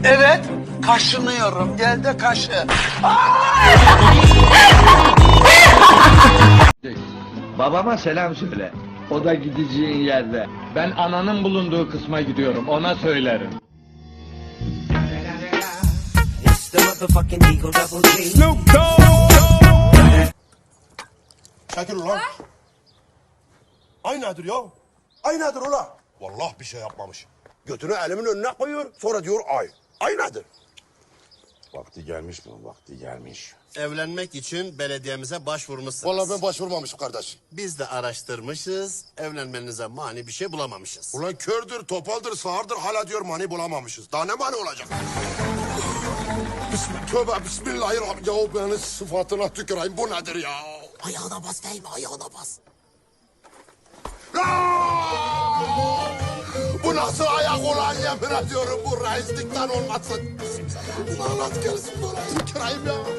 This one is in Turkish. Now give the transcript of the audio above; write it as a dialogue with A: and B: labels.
A: Evet, kaşınıyorum. Gel de kaşı.
B: Babama selam söyle. O da gideceğin yerde. Ben ananın bulunduğu kısma gidiyorum. Ona söylerim.
C: Çekil ulan. Ay nedir ya? Ay nedir ulan? Vallahi bir şey yapmamış. Götünü elimin önüne koyuyor. Sonra diyor ay. Ay nedir? Vakti gelmiş mi? Vakti gelmiş.
D: Evlenmek için belediyemize başvurmuşsunuz.
C: Vallahi ben başvurmamışım kardeş.
D: Biz de araştırmışız, evlenmenize mani bir şey bulamamışız.
C: Ulan kördür, topaldır, sağırdır hala diyor mani bulamamışız. Daha ne mani olacak? Tövbe bismillahirrahmanirrahim. Ya beni sıfatına tüküreyim. Bu nedir ya?
D: Ayağına bas değil mi? Ayağına bas.
C: Bu nasıl ayak ulan yemin ediyorum bu reislikten olmasın. Lanet gelsin bana tüküreyim ya.